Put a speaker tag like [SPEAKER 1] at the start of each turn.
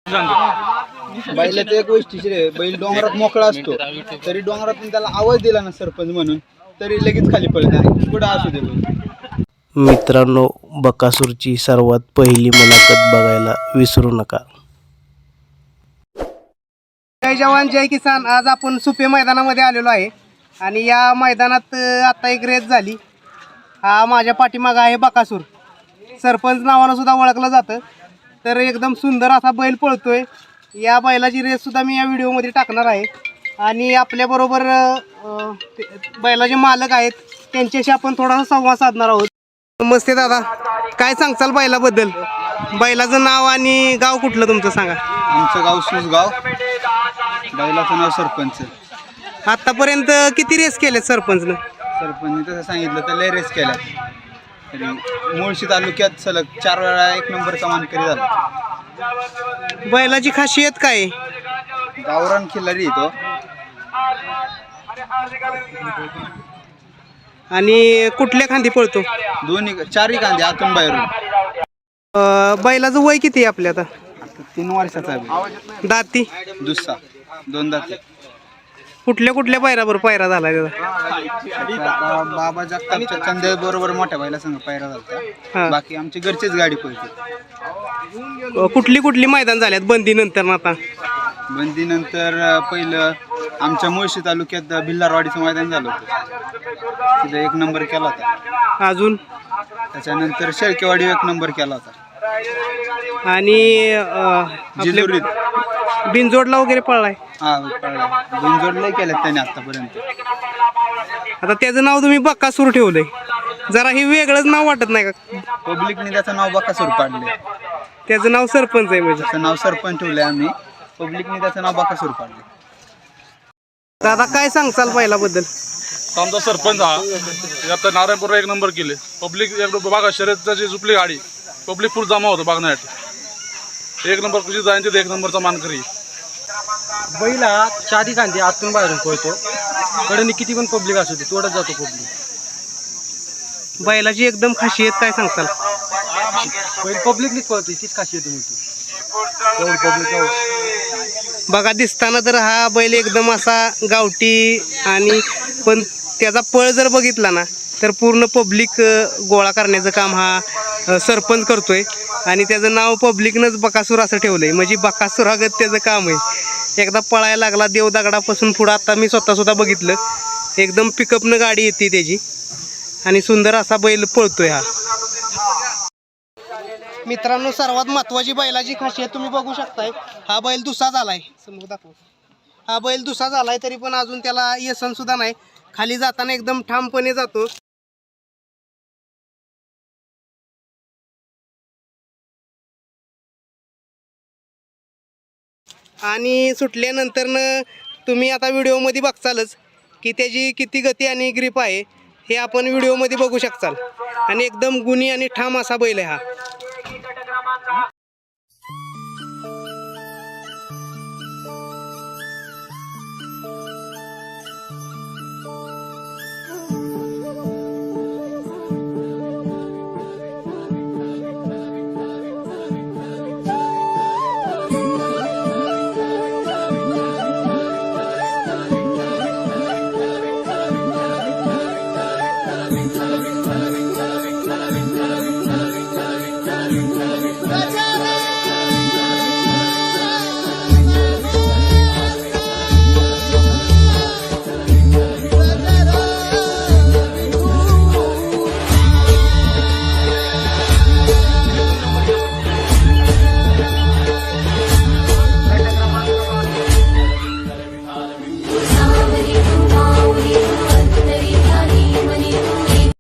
[SPEAKER 1] बैलाचं एक वैशिष्ट्य आहे, बैल डोंगरात मोकळा असतो तरी डोंगरातून त्याला आवाज दिला ना सरपंच म्हणून तरी लगेच खाली पडत आहे, पुढे असू दे बैल.
[SPEAKER 2] मित्रांनो, बकासूरची सर्वात पहिली मुलाखत बघायला विसरू नका.
[SPEAKER 3] जय जवान जय किसान. आज आपण सुपे मैदानामध्ये आलेलो आहे आणि या मैदानात आता एक रेस झाली. हा माझ्या पाठीमागं आहे बकासूर, सरपंच नावानं सुद्धा ओळखलं जातं. तर एकदम सुंदर असा बैल पळतोय. या बैलाची रेस सुद्धा मी या व्हिडिओमध्ये टाकणार आहे आणि आपल्याबरोबर बैलाचे मालक आहेत, त्यांच्याशी आपण थोडासा संवाद साधणार आहोत. नमस्ते दादा, काय सांगचाल बैलाबद्दल? बैलाचं नाव आणि गाव कुठलं तुमचं सांगा.
[SPEAKER 1] आमचं गाव सुसगाव, बैलाचं नाव सरपंच.
[SPEAKER 3] आतापर्यंत किती रेस केलेत सरपंचनं?
[SPEAKER 1] सरपंचने तसं सांगितलं तर लय रेस केल्या तरी मुळशी तालुक्यात सलग 4 वेळा 1 नंबरचा मानकरी झाला.
[SPEAKER 3] बैलाची खासियत काय आहे?
[SPEAKER 1] गावरान खिल्लारी तो
[SPEAKER 3] आणि कुठल्या खांदी पळतो?
[SPEAKER 1] दोन्ही 4ही कांदे आतून बाहेरून.
[SPEAKER 3] बैलाचं वय किती आहे आपल्या आता?
[SPEAKER 1] 3 वर्षाचा आहे.
[SPEAKER 3] दाती
[SPEAKER 1] दुसरा 2 दाते.
[SPEAKER 3] कुठल्या पायराबरोबर पायरा झाला त्याचा?
[SPEAKER 1] बाबा जगतापच्या चंदे बरोबर मोठ्या बैला संग पायरा झाला. बाकी आमची घरचीच गाडी पळते.
[SPEAKER 3] कुठली मैदान झाल्यात बंदी नंतर? आता
[SPEAKER 1] बंदी नंतर पहिलं आमच्या मुळशी तालुक्यात भिल्लारवाडीचं मैदान झालं होतं, तिथं 1 नंबर केला होता.
[SPEAKER 3] अजून
[SPEAKER 1] त्याच्यानंतर शेळकेवाडी 1 नंबर केला होता.
[SPEAKER 3] आणि
[SPEAKER 1] जिजुरीत
[SPEAKER 3] बिनजोडला वगैरे पळलाय?
[SPEAKER 1] हा पळला. बिनजोड लय केल्यात त्याने आतापर्यंत.
[SPEAKER 3] आता त्याचं नाव तुम्ही बकासूर ठेवलंय, जरा हे वेगळंच नाव वाटत नाही का?
[SPEAKER 1] पब्लिकने त्याचं नाव बकासूर पाडले.
[SPEAKER 3] त्याचं नाव सरपंच आहे म्हणजे?
[SPEAKER 1] त्याचं नाव सरपंच ठेवलंय आम्ही, पब्लिकने त्याचं नाव बकासूर पाडले.
[SPEAKER 3] दादा काय सांगचाल बैलाबद्दल?
[SPEAKER 4] आमचा सरपंच हा आता नारायणपूरला 1 नंबर केले. पब्लिक बघा, शर्यतीची झुपली गाडी, पब्लिक फुल जमा होतं बघण्यासाठी. 1 नंबर कशी जाईन तिथे 1 नंबरचा मानकरी.
[SPEAKER 5] बैला 4ही कांदे आतून बाहेरून पळतो. कडेने किती पण पब्लिक असू दे तोडत जातो पब्लिक.
[SPEAKER 3] बैलाची एकदम खासियत काय सांगताल?
[SPEAKER 5] बैल पब्लिकनीच पळतो, तीच खासियत मोठी. एवढं पब्लिक
[SPEAKER 3] बघा दिसताना तर हा बैल एकदम असा गावठी, आणि पण त्याचा पळ जर बघितला ना तर पूर्ण पब्लिक गोळा करण्याचं काम हा सरपंच करतोय. आणि त्याचं नाव पब्लिकनंच बकासूर असं ठेवलंय, म्हणजे बकासूरागत त्याचं काम आहे. एकदा पळायला लागला देवदगडापासून पुढं, आता मी स्वतः बघितलं, एकदम पिकअपनं गाडी येते त्याची आणि सुंदर असा बैल पळतोय हा. मित्रांनो, सर्वात महत्त्वाची बैलाची खासियत तुम्ही बघू शकताय. हा बैल दुसरा झालाय, समोर दाखव. हा बैल दुसरा झालाय तरी पण अजून त्याला यसन सुद्धा नाही. खाली जाताना एकदम ठामपणे जातो. आणि सुटल्यानंतरनं तुम्ही आता व्हिडिओमध्ये बघचालच की त्याची किती गती आणि ग्रीप आहे, हे आपण व्हिडिओमध्ये बघू शकताल. आणि एकदम गुणी आणि ठाम असा बैल आहे हा.